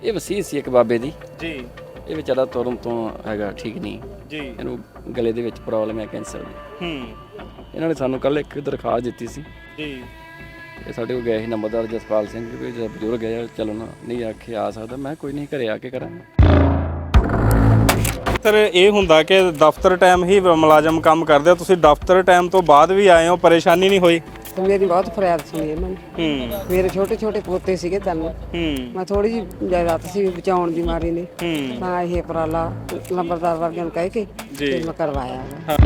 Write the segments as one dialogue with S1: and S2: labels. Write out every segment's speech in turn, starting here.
S1: ਇਹ ਵਸੀਅਤ ਸੀ ਇੱਕ ਬਾਬੇ ਦੀ
S2: ਜੀ
S1: ਇਹ ਵਿਚਾਰਾ ਤੁਰਨ ਤੋਂ ਹੈਗਾ ਠੀਕ ਨਹੀਂ
S2: ਜੀ
S1: ਇਹਨੂੰ ਗਲੇ ਦੇ ਵਿੱਚ ਪ੍ਰੋਬਲਮ ਹੈ ਕੈਂਸਰ ਦੀ ਇਹਨਾਂ ਨੇ ਸਾਨੂੰ ਕੱਲ ਇੱਕ ਦਰਖਾਸਤ ਦਿੱਤੀ ਸੀ
S2: ਜੀ
S1: ਇਹ ਸਾਡੇ ਕੋਲ ਗਏ ਸੀ ਨੰਬਰਦਾਰ ਜਸਪਾਲ ਸਿੰਘ ਵੀ ਜਦ ਬਜ਼ੁਰਗ ਹੈ ਚਲੋ ਨਾ ਨਹੀਂ ਆਖੇ ਆ ਸਕਦਾ ਮੈਂ ਕੋਈ ਨਹੀਂ ਘਰੇ ਆ ਕੇ ਕਰਾਂਗਾ।
S2: ਸਰ ਇਹ ਹੁੰਦਾ ਕਿ ਦਫ਼ਤਰ ਟਾਈਮ ਹੀ ਮੁਲਾਜ਼ਮ ਕੰਮ ਕਰਦੇ ਆ, ਤੁਸੀਂ ਦਫ਼ਤਰ ਟਾਈਮ ਤੋਂ ਬਾਅਦ ਵੀ ਆਏ ਹੋ, ਪਰੇਸ਼ਾਨੀ ਨਹੀਂ ਹੋਈ?
S3: ਤੇ ਮੇਰੀ ਬਹੁਤ ਫਰਿਆਦ ਸੁਣੀ ਇਹਨਾਂ ਨੇ। ਮੇਰੇ ਛੋਟੇ ਛੋਟੇ ਪੋਤੇ ਸੀਗੇ ਤਿੰਨ। ਮੈਂ ਥੋੜੀ ਜਿਹੀ ਜਾਇਦਾਦ ਸੀ ਬਚਾਉਣ ਦੀ ਮਾਰੀ ਨੇ ਤਾਂ ਇਹ ਉਪਰਾਲਾ ਲੰਬਰਦਾਰ ਵਰਗਿਆਂ ਨੂੰ ਕਹਿ ਕੇ ਤੇ ਮੈਂ ਕਰਵਾਇਆ।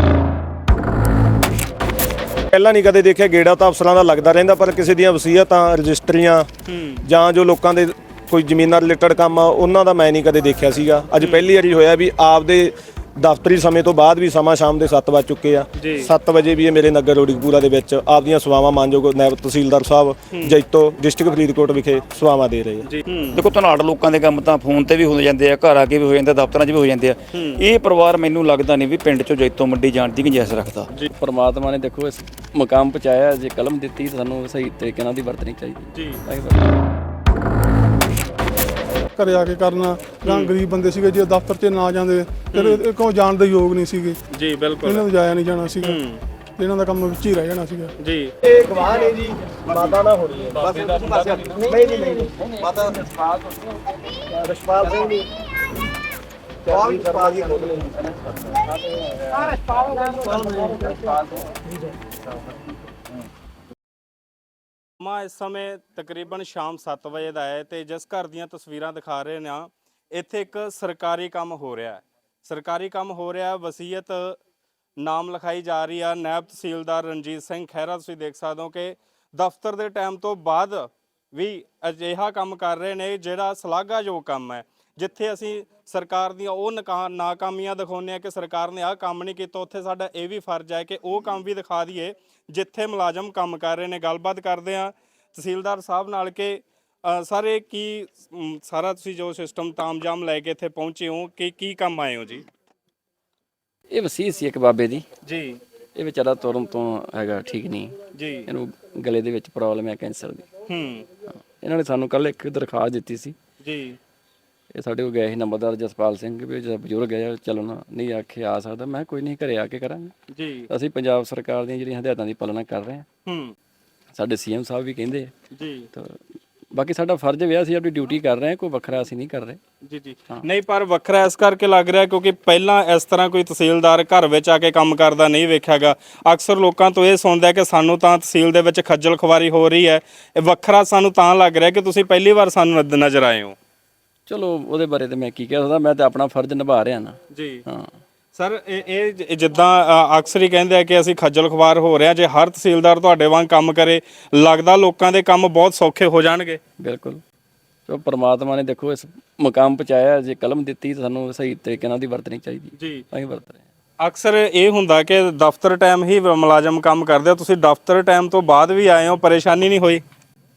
S4: ਪਹਿਲਾਂ ਨਹੀਂ ਕਦੇ ਦੇਖਿਆ, ਗੇੜਾ ਤਾਂ ਅਫਸਰਾਂ ਦਾ ਲੱਗਦਾ ਰਹਿੰਦਾ, ਪਰ ਕਿਸੇ ਦੀਆਂ ਵਸੀਅਤਾਂ ਰਜਿਸਟਰੀਆਂ ਜਾਂ ਜੋ ਲੋਕਾਂ ਦੇ ਕੋਈ ਜ਼ਮੀਨਾਂ ਰਿਲੇਟਡ ਕੰਮ ਆ ਉਹਨਾਂ ਦਾ ਮੈਂ ਨਹੀਂ ਕਦੇ ਦੇਖਿਆ ਸੀਗਾ। ਅੱਜ ਪਹਿਲੀ ਵਾਰੀ ਹੋਇਆ ਵੀ ਆਪਦੇ ਦਫ਼ਤਰੀ ਸਮੇਂ ਤੋਂ ਬਾਅਦ ਵੀ ਸਮਾਂ ਸ਼ਾਮ ਦੇ 7 ਵੱਜ ਚੁੱਕੇ ਆ। 7 ਵਜੇ ਵੀ ਇਹ ਮੇਰੇ ਨਗਰ ਰੋੜੀਕਪੂਰਾ ਦੇ ਵਿੱਚ ਆਪਦੀਆਂ ਸੇਵਾਵਾਂ ਮਾਨਯੋਗ ਨਾਇਬ ਤਹਿਸੀਲਦਾਰ ਸਾਹਿਬ ਜੈਤੋ ਡਿਸਟ੍ਰਿਕਟ ਫਰੀਦਕੋਟ ਵਿਖੇ ਸੇਵਾਵਾਂ ਦੇ ਰਹੇ ਆ।
S5: ਦੇਖੋ ਧਨਾੜ ਲੋਕਾਂ ਦੇ ਕੰਮ ਤਾਂ ਫੋਨ ਤੇ ਵੀ ਹੋ ਜਾਂਦੇ ਆ, ਘਰ ਆ ਕੇ ਵੀ ਹੋ ਜਾਂਦੇ, ਦਫ਼ਤਰਾਂ 'ਚ ਵੀ ਹੋ ਜਾਂਦੇ ਆ। ਇਹ ਪਰਿਵਾਰ ਮੈਨੂੰ ਲੱਗਦਾ ਨਹੀਂ ਵੀ ਪਿੰਡ 'ਚੋਂ ਜੈਤੋ ਮੰਡੀ ਜਾਣ ਦੀ ਗੁੰਜਾਇਸ਼ ਰੱਖਦਾ।
S1: ਪਰਮਾਤਮਾ ਨੇ ਦੇਖੋ ਇਸ ਮੁਕਾਮ ਪਹੁੰਚਾਇਆ, ਜੇ ਕਲਮ ਦਿੱਤੀ ਤਾਂ ਸਾਨੂੰ ਸਹੀ ਤਰੀਕੇ ਨਾਲ ਦੀ ਵਰਤਣੀ ਚਾਹੀਦੀ
S2: ਜੀ।
S6: ਘਰੇ ਆ ਕੇ ਕਰਨਾ ਜਾਂ ਗਰੀਬ ਬੰਦੇ ਸੀਗੇ ਜੇ ਦਫ਼ਤਰ 'ਚ ਨਾ ਜਾਂਦੇ ਫਿਰ ਇਹ ਕੋਲ ਜਾਣ ਦੇ ਯੋਗ ਨਹੀਂ ਸੀਗੇ
S2: ਜੀ ਬਿਲਕੁਲ
S6: ਇਹਨਾਂ ਨੂੰ ਜਾਇਆ ਨਹੀਂ ਜਾਣਾ ਸੀਗਾ, ਇਹਨਾਂ ਦਾ ਕੰਮ ਵਿੱਚ ਹੀ ਰਹਿ ਜਾਣਾ ਸੀਗਾ
S2: ਜੀ।
S4: ਇਹ ਗਵਾਹ ਨੇ ਜੀ, ਮਾਤਾ ਨਾ ਹੋਣੀ ਹੈ ਬਸ। ਨਹੀਂ ਜੀ ਨਹੀਂ ਮਾਤਾ ਰਸ਼ਪਾਲ ਸਿੰਘ ਜੀ
S2: ਮਾ ਇਸ ਸਮੇਂ ਤਕਰੀਬਨ ਸ਼ਾਮ 7 ਵਜੇ ਦਾ ਹੈ ਤੇ ਜਿਸ ਘਰ ਦੀਆਂ ਤਸਵੀਰਾਂ ਦਿਖਾ ਰਹੇ ਨੇ ਇੱਥੇ ਇੱਕ ਸਰਕਾਰੀ ਕੰਮ ਹੋ ਰਿਹਾ ਹੈ। ਸਰਕਾਰੀ ਕੰਮ ਹੋ ਰਿਹਾ, ਵਸੀਅਤ ਨਾਮ ਲਿਖਾਈ ਜਾ ਰਹੀ ਆ। ਨਾਇਬ ਤਹਿਸੀਲਦਾਰ ਰਣਜੀਤ ਸਿੰਘ ਖਹਿਰਾ ਤੁਸੀਂ ਦੇਖ ਸਕਦੇ ਹੋ ਕਿ ਦਫ਼ਤਰ ਦੇ ਟਾਈਮ ਤੋਂ ਬਾਅਦ ਵੀ ਅਜਿਹਾ ਕੰਮ ਕਰ ਰਹੇ ਨੇ ਜਿਹੜਾ ਸ਼ਲਾਘਾਯੋਗ ਕੰਮ ਹੈ। ਜਿੱਥੇ ਅਸੀਂ ਸਰਕਾਰ ਦੀਆਂ ਉਹ ਨਾਕਾਮੀਆਂ ਦਿਖਾਉਂਦੇ ਹਾਂ ਕਿ ਸਰਕਾਰ ਨੇ ਆਹ ਕੰਮ ਨਹੀਂ ਕੀਤਾ, ਉੱਥੇ ਸਾਡਾ ਇਹ ਵੀ ਫਰਜ਼ ਹੈ ਕਿ ਉਹ ਕੰਮ ਵੀ ਦਿਖਾ ਦਈਏ ਜਿੱਥੇ ਮੁਲਾਜ਼ਮ ਕੰਮ ਕਰ ਰਹੇ ਨੇ। ਗੱਲਬਾਤ ਕਰਦੇ ਹਾਂ ਤਹਿਸੀਲਦਾਰ ਸਾਹਿਬ ਨਾਲ ਕਿ ਸਾਰੇ ਕੀ ਸਾਰਾ ਤੁਸੀਂ ਜੋ ਸਿਸਟਮ ਤਾਮਝਾਮ ਲੈ ਕੇ ਇੱਥੇ ਪਹੁੰਚੇ ਹੋ ਕਿ ਕੀ ਕੰਮ ਆਏ ਹੋ ਜੀ?
S1: ਇਹ ਵਸੀਅਤ ਸੀ ਇੱਕ ਬਾਬੇ ਦੀ
S2: ਜੀ
S1: ਇਹ ਵਿਚਾਰਾ ਤੁਰਨ ਤੋਂ ਹੈਗਾ ਠੀਕ ਨਹੀਂ
S2: ਜੀ
S1: ਇਹਨੂੰ ਗਲੇ ਦੇ ਵਿੱਚ ਪ੍ਰੋਬਲਮ ਹੈ ਕੈਂਸਰ ਦੀ ਇਹਨਾਂ ਨੇ ਸਾਨੂੰ ਕੱਲ ਇੱਕ ਦਰਖਾਸਤ ਦਿੱਤੀ ਸੀ
S2: ਜੀ।
S1: ਇਹ ਸਾਡੇ ਕੋਲ ਗਏ ਸੀ ਨੰਬਰਦਾਰ ਜਸਪਾਲ ਸਿੰਘ ਵੀ ਜਦ ਬਜ਼ੁਰਗ ਹੈ ਚਲੋ ਨਾ ਨਹੀਂ ਆਖੇ ਆ ਸਕਦਾ ਮੈਂ ਕੋਈ ਨਹੀਂ ਘਰੇ ਆ ਕੇ ਕਰਾਂਗਾ
S2: ਜੀ।
S1: ਅਸੀਂ ਪੰਜਾਬ ਸਰਕਾਰ ਦੀਆਂ ਜਿਹੜੀਆਂ ਹਦਾਇਤਾਂ ਦੀ ਪਾਲਣਾ ਕਰ ਰਹੇ ਹਾਂ। ਸਾਡੇ ਸੀਐਮ ਸਾਹਿਬ ਵੀ ਕਹਿੰਦੇ ਆ
S2: ਜੀ।
S1: ਤਾਂ ਬਾਕੀ ਸਾਡਾ ਫਰਜ਼ ਵੀ ਅਸੀਂ ਆਪਣੀ ਡਿਊਟੀ ਕਰ ਰਹੇ ਹਾਂ, ਕੋਈ ਵੱਖਰਾ ਅਸੀਂ ਨਹੀਂ ਕਰ ਰਹੇ।
S2: ਜੀ ਜੀ ਨਹੀਂ, ਪਰ ਵੱਖਰਾ ਇਸ ਕਰਕੇ ਲੱਗ ਰਿਹਾ ਕਿਉਂਕਿ ਪਹਿਲਾਂ ਇਸ ਤਰ੍ਹਾਂ ਕੋਈ ਤਹਿਸੀਲਦਾਰ ਘਰ ਵਿੱਚ ਆ ਕੇ ਕੰਮ ਕਰਦਾ ਨਹੀਂ ਵੇਖਿਆਗਾ। ਅਕਸਰ ਲੋਕਾਂ ਤੋਂ ਇਹ ਸੁਣਦਾ ਕਿ ਸਾਨੂੰ ਤਾਂ ਤਹਿਸੀਲ ਦੇ ਵਿੱਚ ਖੱਜਲ ਖੁਆਰੀ ਹੋ ਰਹੀ ਹੈ। ਇਹ ਵੱਖਰਾ ਸਾਨੂੰ ਤਾਂ ਲੱਗ ਰਿਹਾ ਕਿ ਤੁਸੀਂ ਪਹਿਲੀ ਵਾਰ ਸਾਨੂੰ ਨਜ਼ਰ ਆਏ ਹੋ।
S1: ਚਲੋ ਉਹਦੇ ਬਾਰੇ ਤਾਂ ਮੈਂ ਕੀ ਕਹਿ ਸਕਦਾ, ਮੈਂ ਤਾਂ ਆਪਣਾ ਫਰਜ਼ ਨਿਭਾ ਰਿਹਾ ਨਾ ਜੀ। ਹਾਂ
S2: ਸਰ ਇਹ ਜਿੱਦਾਂ ਅਕਸਰ ਹੀ ਕਹਿੰਦੇ ਆ ਕਿ ਅਸੀਂ ਖੱਜਲ ਖੁਆਰ ਹੋ ਰਹੇ ਹਾਂ, ਜੇ ਹਰ ਤਹਿਸੀਲਦਾਰ ਤੁਹਾਡੇ ਵਾਂਗ ਕੰਮ ਕਰੇ ਲੱਗਦਾ ਲੋਕਾਂ ਦੇ ਕੰਮ ਬਹੁਤ ਸੌਖੇ ਹੋ ਜਾਣਗੇ।
S1: ਬਿਲਕੁਲ, ਸੋ ਪਰਮਾਤਮਾ ਨੇ ਦੇਖੋ ਇਸ ਮੁਕਾਮ ਪਹੁੰਚਾਇਆ, ਜੇ ਕਲਮ ਦਿੱਤੀ ਤਾਂ ਸਾਨੂੰ ਸਹੀ ਤਰੀਕੇ ਨਾਲ ਦੀ ਵਰਤਣੀ ਚਾਹੀਦੀ
S2: ਜੀ।
S1: ਅਸੀਂ ਵਰਤ ਰਹੇ ਹਾਂ।
S2: ਅਕਸਰ ਇਹ ਹੁੰਦਾ ਕਿ ਦਫ਼ਤਰ ਟਾਈਮ ਹੀ ਮੁਲਾਜ਼ਮ ਕੰਮ ਕਰਦੇ ਆ, ਤੁਸੀਂ ਦਫ਼ਤਰ ਟਾਈਮ ਤੋਂ ਬਾਅਦ ਵੀ ਆਏ ਹੋ, ਪਰੇਸ਼ਾਨੀ ਨਹੀਂ ਹੋਈ?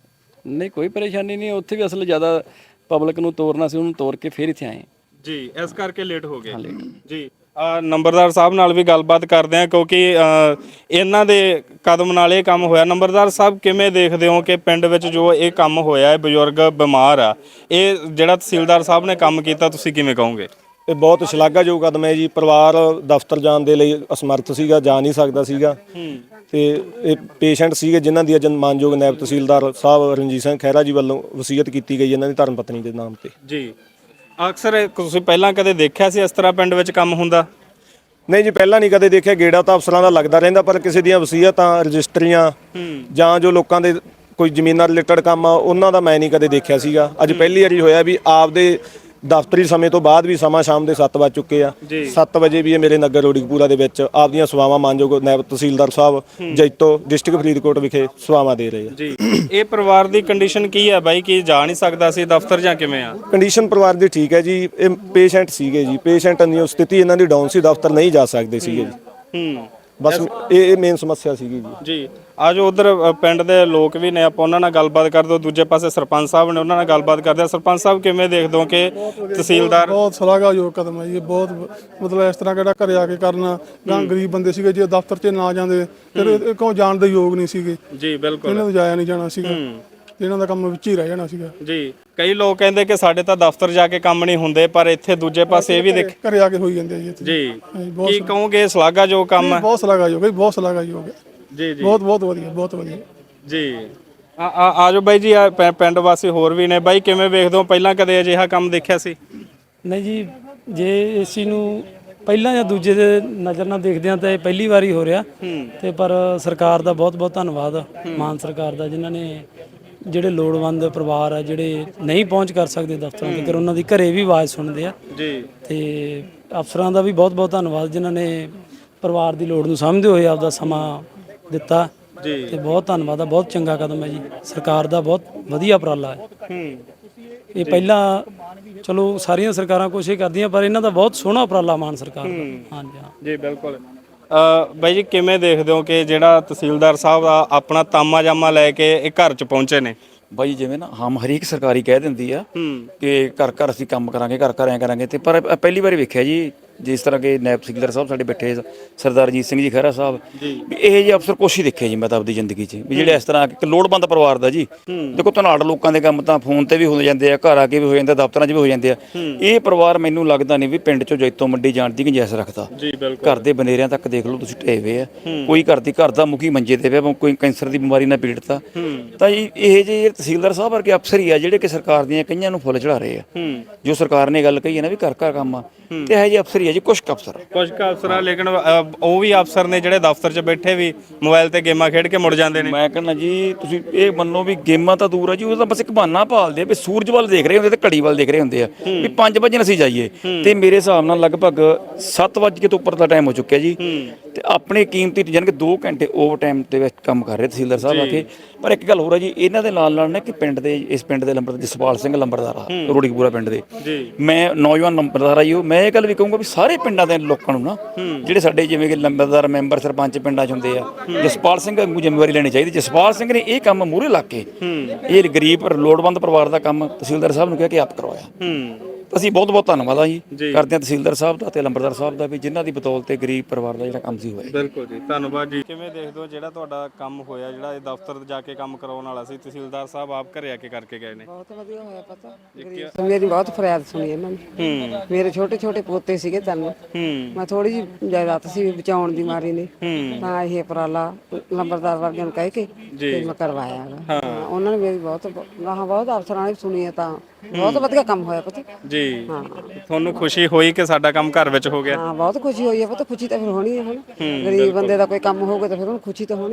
S1: ਨਹੀਂ ਕੋਈ ਪਰੇਸ਼ਾਨੀ ਨਹੀਂ, ਉੱਥੇ ਵੀ ਅਸਲ ਜ਼ਿਆਦਾ ਪਬਲਿਕ ਨੂੰ ਤੋਰਨਾ ਸੀ, ਉਹਨੂੰ ਤੋਰ ਕੇ ਫਿਰ ਇੱਥੇ ਆਏ
S2: ਜੀ। ਇਸ ਕਰਕੇ ਲੇਟ ਹੋ ਗਏ ਜੀ। ਨੰਬਰਦਾਰ ਸਾਹਿਬ ਨਾਲ ਵੀ ਗੱਲਬਾਤ ਕਰਦੇ ਆ ਕਿਉਂਕਿ ਇਹਨਾਂ ਦੇ ਕਦਮ ਨਾਲ ਇਹ ਕੰਮ ਹੋਇਆ। ਨੰਬਰਦਾਰ ਸਾਹਿਬ ਕਿਵੇਂ ਦੇਖਦੇ ਹੋ ਕਿ ਪਿੰਡ ਵਿੱਚ ਜੋ ਇਹ ਕੰਮ ਹੋਇਆ ਹੈ, ਬਜ਼ੁਰਗ ਬਿਮਾਰ ਆ, ਇਹ ਜਿਹੜਾ ਤਹਿਸੀਲਦਾਰ ਸਾਹਿਬ ਨੇ ਕੰਮ ਕੀਤਾ ਤੁਸੀਂ ਕਿਵੇਂ ਕਹੋਗੇ?
S4: ਇਹ ਬਹੁਤ ਸ਼ਲਾਘਾਯੋਗ ਕਦਮ ਹੈ ਜੀ। ਪਰਿਵਾਰ ਦਫ਼ਤਰ ਜਾਣ ਦੇ ਲਈ ਅਸਮਰਥ ਸੀਗਾ, ਜਾ ਨਹੀਂ ਸਕਦਾ ਸੀਗਾ ਤੇ ਇਹ ਪੇਸ਼ੈਂਟ ਸੀਗੇ ਜਿਨ੍ਹਾਂ ਦੀ ਮਾਨਯੋਗ ਨਾਇਬ ਤਹਿਸੀਲਦਾਰ ਸਾਹਿਬ ਰਣਜੀਤ ਸਿੰਘ ਖਹਿਰਾ ਜੀ ਵੱਲੋਂ ਵਸੀਅਤ ਕੀਤੀ ਗਈ ਇਹਨਾਂ ਦੀ ਧਰਮ ਪਤਨੀ ਦੇ ਨਾਮ ਤੇ
S2: ਜੀ। ਅਕਸਰ ਤੁਸੀਂ ਪਹਿਲਾਂ ਕਦੇ ਦੇਖਿਆ ਸੀ ਇਸ ਤਰ੍ਹਾਂ ਪਿੰਡ ਵਿੱਚ ਕੰਮ ਹੁੰਦਾ?
S4: ਨਹੀਂ ਜੀ, ਪਹਿਲਾਂ ਨਹੀਂ ਕਦੇ ਦੇਖਿਆ, ਗੇੜਾ ਤਾਂ ਅਫਸਰਾਂ ਦਾ ਲੱਗਦਾ ਰਹਿੰਦਾ, ਪਰ ਕਿਸੇ ਦੀਆਂ ਵਸੀਅਤਾਂ ਰਜਿਸਟਰੀਆਂ ਜਾਂ ਜੋ ਲੋਕਾਂ ਦੇ ਕੋਈ ਜ਼ਮੀਨਾਂ ਰਿਲੇਟਡ ਕੰਮ ਆ ਉਹਨਾਂ ਦਾ ਮੈਂ ਨਹੀਂ ਕਦੇ ਦੇਖਿਆ ਸੀਗਾ। ਅੱਜ ਪਹਿਲੀ ਵਾਰੀ ਹੋਇਆ ਵੀ ਆਪਦੇ ਦਫ਼ਤਰੀ ਸਮੇਂ ਤੋਂ ਬਾਅਦ ਵੀ ਸਮਾਂ ਸ਼ਾਮ ਦੇ 7 ਵੱਜ ਚੁੱਕੇ ਆ। 7 ਵਜੇ ਵੀ ਇਹ ਮੇਰੇ ਨਗਰ ਰੋੜੀਕਪੂਰਾ ਦੇ ਵਿੱਚ ਆਪਦੀਆਂ ਸੇਵਾਵਾਂ ਮਾਨਯੋਗ ਨਾਇਬ ਤਹਿਸੀਲਦਾਰ ਸਾਹਿਬ ਜੈਤੋ ਡਿਸਟ੍ਰਿਕਟ ਫਰੀਦਕੋਟ ਵਿਖੇ ਸੇਵਾਵਾਂ ਦੇ ਰਹੇ ਆ
S2: ਜੀ। ਇਹ ਪਰਿਵਾਰ ਦੀ ਕੰਡੀਸ਼ਨ ਕੀ ਹੈ ਬਾਈ, ਕਿ ਜਾ ਨਹੀਂ ਸਕਦਾ ਸੀ ਦਫ਼ਤਰ ਜਾਂ ਕਿਵੇਂ ਆ?
S4: ਕੰਡੀਸ਼ਨ ਪਰਿਵਾਰ ਦੀ ਠੀਕ ਹੈ ਜੀ। ਇਹ ਪੇਸ਼ੈਂਟ ਸੀਗੇ ਜੀ, ਪੇਸ਼ੈਂਟ ਦੀ ਸਥਿਤੀ ਇਹਨਾਂ ਦੀ ਡਾਊਨ ਸੀ, ਦਫ਼ਤਰ ਨਹੀਂ ਜਾ ਸਕਦੇ ਸੀਗੇ ਜੀ। ਬਸ ਇਹ ਮੇਨ ਸਮੱਸਿਆ ਸੀਗੀ
S2: ਜੀ। ਆਜੋ ਉਧਰ ਪਿੰਡ ਦੇ ਲੋਕ ਵੀ ਨੇ, ਆਪਾਂ ਉਹਨਾਂ ਨਾਲ ਗੱਲਬਾਤ ਕਰਦੇ ਹਾਂ। ਦੂਜੇ ਪਾਸੇ ਸਰਪੰਚ ਸਾਹਿਬ ਨੇ, ਉਹਨਾਂ ਨਾਲ ਗੱਲਬਾਤ ਕਰਦੇ ਆ। ਸਰਪੰਚ ਸਾਹਿਬ ਕਿਵੇਂ ਦੇਖਦੇ ਹੋ ਕਿ ਤਹਿਸੀਲਦਾਰ?
S6: ਬਹੁਤ ਸ਼ਲਾਘਾਯੋਗ ਕਦਮ ਹੈ ਜੀ। ਬਹੁਤ ਮਤਲਬ ਇਸ ਤਰ੍ਹਾਂ ਕਿਹੜਾ ਘਰੇ ਆ ਕੇ ਕਰਨਾ ਜਾਂ ਗਰੀਬ ਬੰਦੇ ਸੀਗੇ ਜੇ ਦਫ਼ਤਰ 'ਚ ਨਾ ਜਾਂਦੇ ਫਿਰ ਇਹ ਕੋਲ ਜਾਣ ਦੇ ਯੋਗ ਨਹੀਂ ਸੀਗੇ
S2: ਜੀ ਬਿਲਕੁਲ,
S6: ਇਹਨਾਂ ਨੂੰ ਜਾਇਆ ਨਹੀਂ ਜਾਣਾ ਸੀਗਾ। ਤੇ ਇਹਨਾਂ ਦਾ ਕੰਮ ਵਿੱਚ ਹੀ ਰਹਿ ਜਾਣਾ ਸੀਗਾ।
S2: ਜੀ ਕਈ ਲੋਕ ਕਹਿੰਦੇ ਕਿ ਸਾਡੇ ਤਾਂ ਦਫ਼ਤਰ ਜਾ ਕੇ ਕੰਮ ਨਹੀਂ ਹੁੰਦੇ, ਪਰ ਇੱਥੇ ਦੂਜੇ ਪਾਸੇ ਇਹ ਵੀ ਦੇਖ
S6: ਘਰੇ ਆ ਕੇ ਹੋਈ ਜਾਂਦੇ ਆ ਜੀ ਇੱਥੇ।
S2: ਜੀ
S6: ਹਾਂਜੀ, ਬਹੁਤ
S2: ਕੀ ਕਹੋਗੇ ਸ਼ਲਾਘਾਯੋਗ ਕੰਮ ਹੈ?
S6: ਬਹੁਤ ਸ਼ਲਾਘਾਯੋਗ ਹੈ, ਬਹੁਤ ਸ਼ਲਾਘਾਯੋਗ ਹੈ।
S2: ਜੀ ਜੀ
S6: ਬਹੁਤ ਬਹੁਤ ਵਧੀਆ, ਬਹੁਤ ਵਧੀਆ।
S2: ਜੀ ਆਜੋ ਬਾਈ ਜੀ, ਆ ਪਿੰਡ ਵਾਸੀ ਹੋਰ ਵੀ ਨੇ। ਬਾਈ ਕਿਵੇਂ ਵੇਖਦੇ ਹੋ, ਪਹਿਲਾਂ ਕਦੇ ਅਜਿਹਾ ਕੰਮ ਦੇਖਿਆ ਸੀ?
S7: ਨਹੀਂ ਜੀ, ਜੇ ਏਸੀ ਨੂੰ ਪਹਿਲਾਂ ਜਾਂ ਦੂਜੇ ਦੇ ਨਜ਼ਰ ਨਾਲ ਦੇਖਦੇ ਆ ਤਾਂ ਇਹ ਪਹਿਲੀ ਵਾਰੀ ਹੋ ਰਿਹਾ ਤੇ ਪਰ ਸਰਕਾਰ ਦਾ ਬਹੁਤ ਬਹੁਤ ਧੰਨਵਾਦ, ਮਾਨ ਸਰਕਾਰ ਦਾ, ਜਿਨ੍ਹਾਂ ਨੇ ਜਿਹੜੇ ਲੋੜਵੰਦ ਪਰਿਵਾਰ ਆ ਜਿਹੜੇ ਨਹੀਂ ਪਹੁੰਚ ਕਰ ਸਕਦੇ ਦਫ਼ਤਰਾਂ ਤੱਕ, ਉਹਨਾਂ ਦੀ ਘਰੇ ਵੀ ਆਵਾਜ਼ ਸੁਣਦੇ ਆ।
S2: ਜੀ
S7: ਤੇ ਅਫਸਰਾਂ ਦਾ ਵੀ ਬਹੁਤ ਬਹੁਤ ਧੰਨਵਾਦ, ਜਿਨ੍ਹਾਂ ਨੇ ਪਰਿਵਾਰ ਦੀ ਲੋੜ ਨੂੰ ਸਮਝਦੇ ਹੋਏ ਆਪਦਾ ਸਮਾਂ ਦਿੱਤਾ।
S2: ਜੀ
S7: ਤੇ ਬਹੁਤ ਧੰਨਵਾਦ ਆ, ਬਹੁਤ ਚੰਗਾ ਕਦਮ ਹੈ ਜੀ ਸਰਕਾਰ ਦਾ, ਬਹੁਤ ਵਧੀਆ ਉਪਰਾਲਾ ਹੈ। ਇਹ ਪਹਿਲਾਂ ਚਲੋ ਸਾਰੀਆਂ ਸਰਕਾਰਾਂ ਕੋਸ਼ਿਸ਼ ਕਰਦੀਆਂ, ਪਰ ਇਹਨਾਂ ਦਾ ਬਹੁਤ ਸੋਹਣਾ ਉਪਰਾਲਾ ਮਾਨ ਸਰਕਾਰ ਦਾ। ਹਾਂਜੀ ਹਾਂ
S2: ਜੀ ਬਿਲਕੁਲ। ਬਾਈ ਜੀ ਕਿਵੇਂ ਦੇਖਦੇ ਹੋ ਕਿ ਜਿਹੜਾ ਤਹਿਸੀਲਦਾਰ ਸਾਹਿਬ ਆ ਆਪਣਾ ਤਾਮਾ ਜਾਮਾ ਲੈ ਕੇ ਇਹ ਘਰ 'ਚ ਪਹੁੰਚੇ ਨੇ?
S5: ਬਾਈ ਜਿਵੇਂ ਨਾ ਹਰੇਕ ਸਰਕਾਰੀ ਕਹਿ ਦਿੰਦੀ ਆ ਕਿ ਘਰ ਘਰ ਅਸੀਂ ਕੰਮ ਕਰਾਂਗੇ, ਘਰ ਘਰ ਐ ਕਰਾਂਗੇ, ਤੇ ਪਰ ਪਹਿਲੀ ਵਾਰੀ ਵੇਖਿਆ ਜੀ ਜਿਸ ਤਰ੍ਹਾਂ ਕਿ ਨਾਇਬ ਤਹਿਸੀਲਦਾਰ ਸਾਹਿਬ ਸਾਡੇ ਬੈਠੇ ਸਰਦਾਰ ਅਜੀਤ ਸਿੰਘ ਜੀ ਖਹਿਰਾ ਸਾਹਿਬ, ਵੀ ਇਹ ਜਿਹੇ ਅਫਸਰ ਕੁਛ ਹੀ ਦੇਖੇ ਜੀ ਮੈਂ ਤਾਂ ਆਪਦੀ ਜ਼ਿੰਦਗੀ 'ਚ, ਵੀ ਜਿਹੜੇ ਇਸ ਤਰ੍ਹਾਂ ਇੱਕ ਲੋੜਵੰਦ ਪਰਿਵਾਰ ਦਾ ਜੀ। ਦੇਖੋ ਧਨਾੜ ਲੋਕਾਂ ਦੇ ਕੰਮ ਤਾਂ ਫੋਨ ਤੇ ਵੀ ਹੋ ਜਾਂਦੇ ਆ, ਘਰ ਆ ਕੇ ਵੀ ਹੋ ਜਾਂਦੇ, ਦਫ਼ਤਰਾਂ 'ਚ ਵੀ ਹੋ ਜਾਂਦੇ ਆ। ਇਹ ਪਰਿਵਾਰ ਮੈਨੂੰ ਲੱਗਦਾ ਨਹੀਂ ਵੀ ਪਿੰਡ 'ਚੋਂ ਜੈਤੋਂ ਮੰਡੀ ਜਾਣ ਦੀ ਗੁੰਜਾਇਸ਼ ਰੱਖਦਾ।
S2: ਜੀ ਬਿਲਕੁਲ।
S5: ਘਰ ਦੇ ਬਨੇਰਿਆਂ ਤੱਕ ਦੇਖ ਲਓ ਤੁਸੀਂ ਢਏ ਹੋਏ ਆ, ਕੋਈ ਘਰ ਦਾ ਮੁਖੀ ਮੰਜੇ ਤੇ ਪਿਆ, ਕੋਈ ਕੈਂਸਰ ਦੀ ਬਿਮਾਰੀ ਨਾਲ ਪੀੜਤ ਆ। ਤਾਂ ਇਹ ਜੇ ਤਹਿਸੀਲਦਾਰ ਸਾਹਿਬ ਵਰਗੇ ਅਫਸਰ ਹੀ ਆ ਜਿਹੜੇ ਕਿ ਸਰਕਾਰ ਦੀਆਂ ਕਈਆਂ ਨੂੰ ਫੁੱਲ ਚੜਾ ਰਹੇ ਆ। ਜੋ ਸਰਕਾਰ ਨੇ ਗੱਲ ਕਹੀ ਹੈ ਨਾ ਵੀ ਘਰ ਘਰ ਕੰਮ ਆ, ਤੇ ਇਹ ਜਿਹੇ ਅਫਸਰ ਹੀ ਆ ਜੀ, ਕੁਛ ਅਫਸਰ
S2: ਕੁਝ ਕੁ ਅਫਸਰ ਆ, ਲੇਕਿਨ ਉਹ ਵੀ ਅਫਸਰ ਨੇ ਜਿਹੜੇ ਦਫ਼ਤਰ 'ਚ ਬੈਠੇ ਵੀ ਮੋਬਾਈਲ ਤੇ ਗੇਮਾਂ ਖੇਡ ਕੇ ਮੁੜ ਜਾਂਦੇ ਨੇ।
S5: ਮੈਂ ਕਹਿੰਦਾ ਜੀ ਤੁਸੀਂ ਇਹ ਮੰਨੋ ਵੀ ਗੇਮਾਂ ਤਾਂ ਦੂਰ ਆ ਜੀ, ਉਹ ਤਾਂ ਬਸ ਇੱਕ ਬਹਾਨਾ ਭਾਲਦੇ ਆ ਵੀ ਸੂਰਜ ਵੱਲ ਦੇਖ ਰਹੇ ਹੁੰਦੇ ਤੇ ਘੜੀ ਵੱਲ ਦੇਖ ਰਹੇ ਹੁੰਦੇ ਆ ਵੀ 5 ਵਜੇ ਅਸੀਂ ਜਾਈਏ, ਤੇ ਮੇਰੇ ਹਿਸਾਬ ਨਾਲ ਲਗਭਗ 7 ਵਜੇ ਤੋਂ ਉੱਪਰ ਦਾ ਟਾਈਮ ਹੋ ਚੁੱਕਿਆ ਜੀ। ਤੇ ਆਪਣੇ ਕੀਮਤੀ ਜਾਨ ਕਿ 2 ਘੰਟੇ ਓਵਰ ਟਾਈਮ ਦੇ ਵਿੱਚ ਕੰਮ ਕਰ ਰਹੇ ਤਹਿਸੀਲਦਾਰ ਸਾਹਿਬ ਆ ਕੇ। ਪਰ ਇੱਕ ਗੱਲ ਹੋਰ ਆ ਜੀ, ਇਹਨਾਂ ਦੇ ਨਾਲ ਨਾਲ ਨਾ ਕਿ ਪਿੰਡ ਦੇ ਇਸ ਪਿੰਡ ਦੇ ਲੰਬਰਦਾਰ ਜਸਪਾਲ ਸਿੰਘ ਲੰਬਰਦਾਰ ਆ ਰੋੜੀਪੂਰਾ ਪਿੰਡ ਦੇ, ਮੈਂ ਨੌਜਵਾਨ ਲੰਬਰਦਾਰ ਆ ਜੀ ਉਹ, ਮੈਂ ਇਹ ਗੱਲ ਵੀ ਕਹੂੰਗਾ ਵੀ ਸਾਰੇ ਪਿੰਡਾਂ ਦੇ ਲੋਕਾਂ ਨੂੰ ਨਾ ਜਿਹੜੇ ਸਾਡੇ ਜਿਵੇਂ ਕਿ ਲੰਬਰਦਾਰ ਮੈਂਬਰ ਸਰਪੰਚ ਪਿੰਡਾਂ 'ਚ ਹੁੰਦੇ ਆ, ਜਸਪਾਲ ਸਿੰਘ ਵਾਂਗੂ ਜ਼ਿੰਮੇਵਾਰੀ ਲੈਣੀ ਚਾਹੀਦੀ। ਜਸਪਾਲ ਸਿੰਘ ਨੇ ਇਹ ਕੰਮ ਮੂਹਰੇ ਲਾ ਕੇ ਇਹ ਗਰੀਬ ਲੋੜਵੰਦ ਪਰਿਵਾਰ ਦਾ ਕੰਮ ਤਹਿਸੀਲਦਾਰ ਸਾਹਿਬ ਨੂੰ ਕਿਹਾ ਕਿ ਆਪ ਕਰਵਾਇਆ। ਅਸੀਂ ਬਹੁਤ ਬਹੁਤ ਧੰਨਵਾਦ ਆ ਜੀ ਕਰਦੇ ਹਾਂ ਤਹਿਸੀਲਦਾਰ ਸਾਹਿਬ ਦਾ ਤੇ ਲੰਬਰਦਾਰ ਸਾਹਿਬ ਦਾ, ਵੀ ਜਿਨ੍ਹਾਂ ਦੀ ਬਦੌਲਤ ਤੇ ਗਰੀਬ ਪਰਿਵਾਰ ਦਾ ਜਿਹੜਾ ਕੰਮ ਸੀ ਹੋਇਆ।
S2: ਬਿਲਕੁਲ ਜੀ, ਧੰਨਵਾਦ ਜੀ। ਕਿਵੇਂ ਦੇਖਦੇ ਹੋ ਜਿਹੜਾ ਤੁਹਾਡਾ ਕੰਮ ਹੋਇਆ, ਜਿਹੜਾ ਇਹ ਦਫ਼ਤਰ ਜਾ ਕੇ ਕੰਮ ਕਰਾਉਣ ਵਾਲਾ ਸੀ, ਤਹਿਸੀਲਦਾਰ ਸਾਹਿਬ ਆਪ ਘਰੇ ਆ ਕੇ ਕਰਕੇ ਗਏ ਨੇ?
S3: ਬਹੁਤ ਵਧੀਆ ਹੋਇਆ। ਪਤਾ ਮੇਰੀ ਬਹੁਤ ਫਰਿਆਦ ਸੁਣੀ ਇਹਨਾਂ ਨੇ। ਮੇਰੇ ਛੋਟੇ ਛੋਟੇ ਪੋਤੇ ਸੀਗੇ ਤਿੰਨ, ਮੈਂ ਥੋੜੀ ਜਿਹੀ ਜਾਇਦਾਦ ਸੀ ਬਚਾਉਣ ਦੀ ਮਾਰੀ ਨੇ, ਤਾਂ ਇਹ ਉਪਰਾਲਾ ਲੰਬਰਦਾਰ ਵਰਗਿਆਂ ਨੂੰ ਕਹਿ ਕੇ ਤੇ ਮੈਂ ਕਰਵਾਇਆ ਹੈਗਾ। ਉਹਨਾਂ ਨੇ ਮੇਰੀ ਬਹੁਤ ਅਫਸਰਾਂ ਨੇ ਸੁਣੀ ਹੈ, ਤਾਂ ਬਹੁਤ ਵਧੀਆ ਕੰਮ ਹੋਇਆ ਪਤਾ
S2: ਜੀ। ਤੁਹਾਨੂੰ ਖੁਸ਼ੀ ਹੋਈ ਕਿ ਸਾਡਾ ਕੰਮ ਘਰ ਵਿੱਚ ਹੋ ਗਿਆ?
S3: ਹਾਂ ਬਹੁਤ ਖੁਸ਼ੀ ਹੋਈ ਹੈ ਪਤਾ, ਖੁਸ਼ੀ ਤਾਂ ਫਿਰ ਹੋਣੀ ਹੈ ਹੁਣ, ਗਰੀਬ ਬੰਦੇ ਦਾ ਕੋਈ ਕੰਮ ਹੋਊਗਾ ਤਾਂ ਫਿਰ ਉਹਨੂੰ ਖੁਸ਼ੀ ਤਾਂ ਹੋਣੀ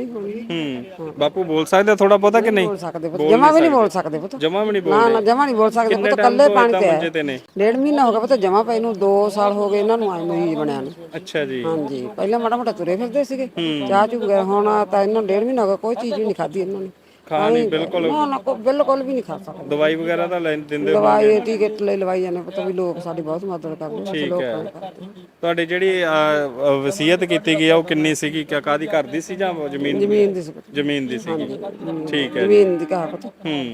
S3: ਹੈ।
S2: ਬਾਪੂ ਬੋਲ ਸਕਦੇ ਥੋੜਾ ਬਹੁਤਾ ਕਿ ਨਹੀਂ?
S3: ਬੋਲ ਸਕਦੇ ਪੁੱਤ, ਜਮਾ ਵੀ ਨਹੀਂ ਬੋਲ ਸਕਦੇ ਪੁੱਤ,
S2: ਜਮਾ ਵੀ ਨਹੀਂ
S3: ਨਾ
S2: ਬੋਲਦੇ?
S3: ਨਾ ਜਮਾ ਨਹੀਂ ਬੋਲ ਸਕਦੇ ਪੁੱਤ, ਕੱਲੇ ਪਾਣੀ ਤੇ ਹੈ। 1.5 ਮਹੀਨਾ ਹੋ ਗਿਆ ਪੁੱਤ ਜਮਾ ਪਏ ਨੂੰ, 2 ਸਾਲ ਹੋ ਗਏ ਇਹਨਾਂ ਨੂੰ ਆਏ ਮਰੀਜ਼ ਬਣਿਆ ਨੂੰ।
S2: ਅੱਛਾ ਜੀ।
S3: ਹਾਂਜੀ ਪਹਿਲਾਂ ਮਾੜਾ ਮੋਟਾ ਤੁਰੇ ਫਿਰਦੇ ਸੀਗੇ, ਚਾਹ ਚੁ ਗਏ, ਹੁਣ ਤਾਂ ਇਹਨਾਂ ਨੂੰ 1.5 ਮਹੀਨਾ ਹੋ ਗਿਆ ਕੋਈ ਚੀਜ਼ ਵੀ ਨਹੀਂ ਖਾਧੀ ਇਹਨਾਂ ਨੇ।
S2: ਖਾਣੀ ਬਿਲਕੁਲ
S3: ਬਿਲਕੁਲ ਵੀ ਨਹੀਂ ਖਾ ਸਕਦੇ।
S2: ਦਵਾਈ ਵਗੈਰਾ ਤਾਂ ਦਿੰਦੇ ਹੋ?
S3: ਦਵਾਈ ਟੀਕੇ ਲਈ ਲਵਾਈ ਜਾਂਦੇ ਪਤਾ, ਵੀ ਲੋਕ ਸਾਡੀ ਬਹੁਤ ਮਦਦ ਕਰਦੇ ਨੇ, ਲੋਕਾਂ ਦੀ ਕਰਦੇ।
S2: ਤੁਹਾਡੀ ਜਿਹੜੀ ਵਸੀਅਤ ਕੀਤੀ ਗਈ ਆ ਉਹ ਕਿੰਨੀ ਸੀਗੀ? ਕਾਹਦੀ ਘਰ ਦੀ ਸੀ ਜਾਂ ਜ਼ਮੀਨ?
S3: ਜ਼ਮੀਨ ਦੀ ਸੀ ਪੁੱਤ।
S2: ਜ਼ਮੀਨ ਦੀ ਸੀਗੀ। ਠੀਕ ਹੈ।
S3: ਜ਼ਮੀਨ ਦੀ ਕਹਾ ਪਤਾ।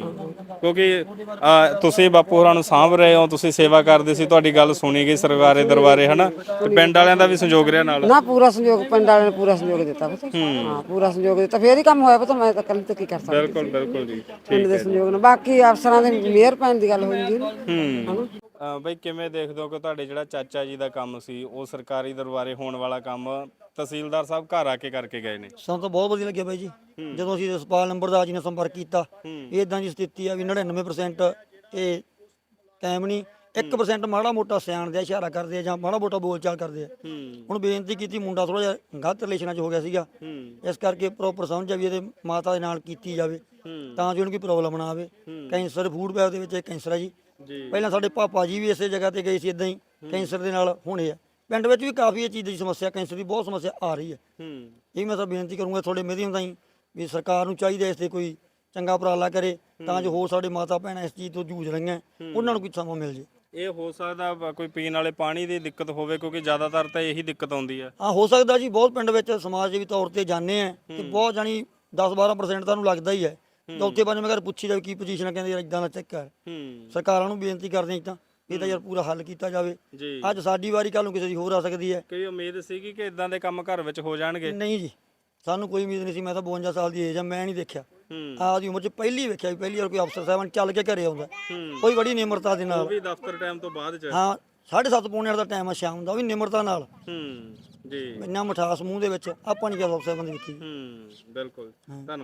S2: ਕਿਉਂਕਿ ਤੁਸੀਂ ਬਾਪੂ ਹੋਰਾਂ ਨੂੰ ਸਾਂਭ ਰਹੇ ਹੋ, ਤੁਸੀਂ ਸੇਵਾ ਕਰਦੇ ਸੀ, ਤੁਹਾਡੀ ਗੱਲ ਸੁਣੀ ਗਈ ਸਰਕਾਰੇ ਦਰਬਾਰੇ, ਹਨਾ? ਤੇ ਪਿੰਡ ਵਾਲਿਆਂ ਦਾ ਵੀ ਸੰਯੋਗ ਰਿਹਾ ਨਾਲ?
S3: ਨਾ ਪੂਰਾ ਸੰਯੋਗ, ਪਿੰਡ ਵਾਲਿਆਂ ਨੇ ਪੂਰਾ ਸੰਯੋਗ ਦਿੱਤਾ ਪਤਾ। ਹਾਂ ਪੂਰਾ ਸੰਯੋਗ ਦਿੱਤਾ, ਫੇਰ ਹੀ ਕੰਮ ਹੋਇਆ ਪਤਾ, ਮੈਂ ਤਾਂ ਕੱਲ ਤੇ ਕੀ ਕਰ ਸਕਦਾ।
S2: ਬਿਲਕੁਲ ਬਿਲਕੁਲ ਜੀ।
S3: ਪਿੰਡ ਦੇ ਸੰਯੋਗ ਨਾਲ, ਬਾਕੀ ਅਫਸਰਾਂ ਦੇ ਮਿਹਰ ਪੈਣ ਦੀ ਗੱਲ ਹੋਈ ਜੀ ਹਨਾ।
S2: ਬਈ ਕਿਵੇਂ ਦੇਖਦੇ ਹੋ ਕਿ ਤੁਹਾਡੇ ਜਿਹੜਾ ਚਾਚਾ ਜੀ ਦਾ ਕੰਮ ਸੀ, ਉਹ ਸਰਕਾਰੀ ਦਰਬਾਰੇ ਹੋਣ ਵਾਲਾ ਕੰਮ ਤਹਿਸੀਲਦਾਰ ਸਾਹਿਬ ਘਰ ਆ ਕੇ ਕਰਕੇ ਗਏ ਨੇ?
S8: ਸਾਨੂੰ ਤਾਂ ਬਹੁਤ ਵਧੀਆ ਲੱਗਿਆ ਬਾਈ ਜੀ, ਜਦੋਂ ਅਸੀਂ ਜਸਪਾਲ ਨੰਬਰਦਾਰ ਜੀ ਨਾਲ ਸੰਪਰਕ ਕੀਤਾ, ਇਦਾਂ ਦੀ ਸਥਿਤੀ ਆ ਵੀ 99% ਇਹ ਕਾਇਮ ਨਹੀਂ, 1% ਮਾੜਾ ਮੋਟਾ ਸਿਆਣ ਦੇ ਇਸ਼ਾਰਾ ਕਰਦੇ ਆ ਜਾਂ ਮਾੜਾ ਮੋਟਾ ਬੋਲਚਾਲ ਕਰਦੇ ਆ। ਹੁਣ ਬੇਨਤੀ ਕੀਤੀ, ਮੁੰਡਾ ਥੋੜਾ ਜਿਹਾ ਗਲਤ ਰਿਲੇਸ਼ਨਾਂ 'ਚ ਹੋ ਗਿਆ ਸੀਗਾ, ਇਸ ਕਰਕੇ ਪ੍ਰੋਪਰ ਸਮਝ ਆ ਵੀ ਇਹਦੇ ਮਾਤਾ ਦੇ ਨਾਲ ਕੀਤੀ ਜਾਵੇ ਤਾਂ ਜੋ ਇਹਨੂੰ ਕੋਈ ਪ੍ਰੋਬਲਮ ਨਾ ਆਵੇ। ਕੈਂਸਰ ਫੂਡ ਪੈਪ ਦੇ ਵਿੱਚ ਕੈਂਸਰ ਆ ਜੀ। ਪਹਿਲਾਂ ਸਾਡੇ ਪਾਪਾ ਜੀ ਵੀ ਇਸੇ ਜਗ੍ਹਾ ਤੇ ਗਏ ਸੀ, ਇਦਾਂ ਹੀ ਕੈਂਸਰ ਦੇ ਨਾਲ ਹੋਣੇ ਆ। ਪਿੰਡ ਵਿੱਚ ਵੀ ਕਾਫੀ ਇਹ ਚੀਜ਼ ਦੀ ਸਮੱਸਿਆ, ਕੈਂਸਰ ਦੀ ਬਹੁਤ ਸਮੱਸਿਆ ਆ ਰਹੀ ਹੈ। ਇਹ ਮੈਂ ਤਾਂ ਬੇਨਤੀ ਕਰੂੰਗਾ ਤੁਹਾਡੇ ਮਾਧਿਅਮ ਰਾਹੀਂ ਵੀ ਸਰਕਾਰ ਨੂੰ ਚਾਹੀਦਾ ਇਸ ਤੇ ਕੋਈ ਚੰਗਾ ਉਪਰਾਲਾ ਕਰੇ, ਤਾਂ ਜੋ ਹੋਰ ਸਾਡੇ ਮਾਤਾ ਭੈਣਾਂ ਇਸ ਚੀਜ਼ ਤੋਂ ਜੂਝ ਰਹੀਆਂ, ਉਹਨਾਂ ਨੂੰ ਕੋਈ ਸਮਾਂ ਮਿਲ ਜੇ।
S2: ਇਹ ਹੋ ਸਕਦਾ ਕੋਈ ਪੀਣ ਵਾਲੇ ਪਾਣੀ ਦੀ ਦਿੱਕਤ ਹੋਵੇ, ਕਿਉਂਕਿ ਜ਼ਿਆਦਾਤਰ ਤਾਂ ਇਹੀ ਦਿੱਕਤ ਆਉਂਦੀ ਹੈ।
S8: ਹਾਂ ਹੋ ਸਕਦਾ ਜੀ, ਬਹੁਤ ਪਿੰਡ ਵਿੱਚ ਸਮਾਜਸੇਵੀ ਤੌਰ ਤੇ ਜਾਂਦੇ ਆ ਤੇ ਬਹੁਤ ਜਾਣੀ 10-12% ਤੁਹਾਨੂੰ ਲੱਗਦਾ ਹੀ ਹੈ। ਚੌਥੇ ਪੰਜਵੇਂ ਘਰ ਪੁੱਛੀ ਜਾਵੇ ਕੀ ਪੋਜੀਸ਼ਨ ਆ, ਕਹਿੰਦੇ ਯਾਰ ਇਦਾਂ ਦਾ ਚੈੱਕ ਕਰ। ਸਰਕਾਰਾਂ ਨੂੰ ਬੇਨਤੀ ਕਰਦੇ ਤਾਂ ਇਹਦਾ ਯਾਰ ਪੂਰਾ ਹੱਲ ਕੀਤਾ ਜਾਵੇ। ਅੱਜ ਸਾਡੀ ਵਾਰੀ, ਕੱਲ ਨੂੰ ਕਿਸੇ ਦੀ ਹੋਰ ਆ ਸਕਦੀ ਹੈ।
S2: ਕੋਈ ਉਮੀਦ ਸੀਗੀ ਕਿ ਇਦਾਂ ਦੇ ਕੰਮ ਘਰ ਵਿੱਚ ਹੋ ਜਾਣਗੇ?
S8: ਨਹੀਂ ਜੀ, ਸਾਨੂੰ ਕੋਈ ਉਮੀਦ ਨਹੀਂ ਸੀ। ਮੈਂ ਤਾਂ 52 ਸਾਲ ਦੀ ਏਜ ਆ, ਮੈਂ ਨਹੀਂ ਦੇਖਿਆ ਆਪਦੀ ਉਮਰ 'ਚ ਪਹਿਲੀ ਵੇਖਿਆ ਵੀ ਪਹਿਲੀ ਵਾਰ ਕੋਈ ਅਫਸਰ ਸਾਹਿਬਾਨ ਚੱਲ ਕੇ ਘਰੇ ਆਉਂਦਾ, ਕੋਈ ਬੜੀ ਨਿਮਰਤਾ ਦੇ ਨਾਲ।
S2: ਵੀ ਦਫ਼ਤਰ ਟਾਈਮ ਤੋਂ ਬਾਅਦ ਚ
S8: ਹਾਂ 7:30 ਪੌਣੇ 8 ਦਾ ਟਾਈਮ ਆ ਸ਼ਾਮ ਦਾ, ਉਹ ਵੀ ਨਿਮਰਤਾ ਨਾਲ,
S2: ਜੀ
S8: ਇੰਨਾ ਮਿਠਾਸ ਮੂੰਹ ਦੇ ਵਿੱਚ ਆਪਾਂ ਨਹੀਂ ਕਿਹਾ ਅਫਸਰ ਸਾਹਿਬਾਨ ਦੀ ਵੇਖੀ।
S2: ਬਿਲਕੁਲ ਧੰਨਵਾਦ।